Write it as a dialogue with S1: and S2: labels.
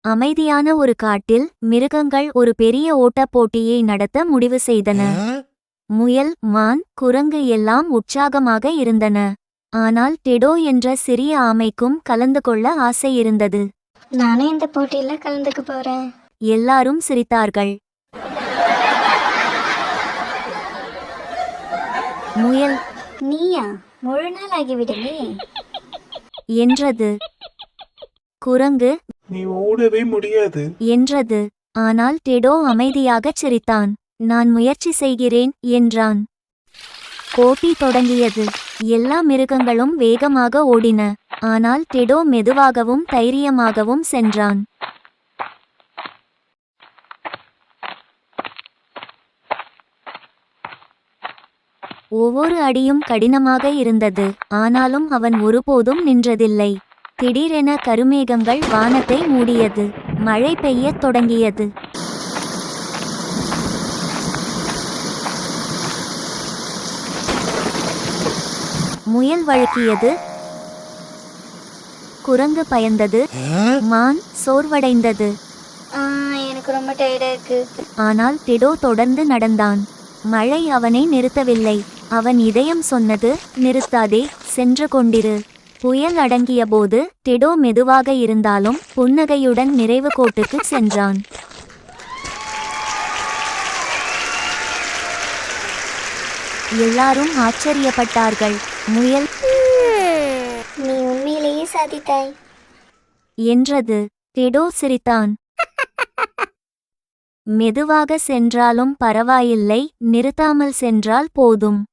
S1: அமைதியான ஒரு காட்டில் மிருகங்கள் ஒரு பெரிய ஓட்டப் போட்டியை நடத்த முடிவு செய்தன. முயல், மான், குரங்கு எல்லாம் உற்சாகமாக இருந்தன. ஆனால் டெடோ என்ற சிறிய ஆமைக்கும் கலந்து கொள்ள ஆசை இருந்தது.
S2: நானும் இந்த போட்டியில கலந்துக்க போறேன்.
S1: எல்லாரும் சிரித்தார்கள். முயல்
S2: நீயா? முழு நாள் ஆகிவிடுமே
S1: என்றது. குரங்கு
S3: நீ ஓடவே முடியாது
S1: என்றது. ஆனால் டெடோ அமைதியாகச் சிரித்தான். நான் முயற்சி செய்கிறேன் என்றான். போட்டி தொடங்கியது. எல்லா மிருகங்களும் வேகமாக ஓடின. ஆனால் டெடோ மெதுவாகவும் தைரியமாகவும் சென்றான். ஒவ்வொரு அடியும் கடினமாக இருந்தது. ஆனாலும் அவன் ஒருபோதும் நின்றதில்லை. திடீரென கருமேகங்கள் வானத்தை மூடியது. மழை பெய்யத் தொடங்கியது. முயல் வழுக்கியது. குரங்கு பயந்தது. மான் சோர்வடைந்தது.
S2: எனக்கு ரொம்ப டயர்டா இருக்கு.
S1: ஆனால் டெடோ தொடர்ந்து நடந்தான். மழை அவனை நிறுத்தவில்லை. அவன் இதயம் சொன்னது, நிறுத்தாதே, சென்று கொண்டிரு. புயல் அடங்கியபோது டெடோ மெதுவாக இருந்தாலும் புன்னகையுடன் நிறைவு கோட்டுக்கு சென்றான். எல்லாரும் ஆச்சரியப்பட்டார்கள். முயல்
S2: நீ உண்மையிலேயே சாதித்தாய்
S1: என்றது. டெடோ சிரித்தான். மெதுவாக சென்றாலும் பரவாயில்லை, நிறுத்தாமல் சென்றால் போதும்.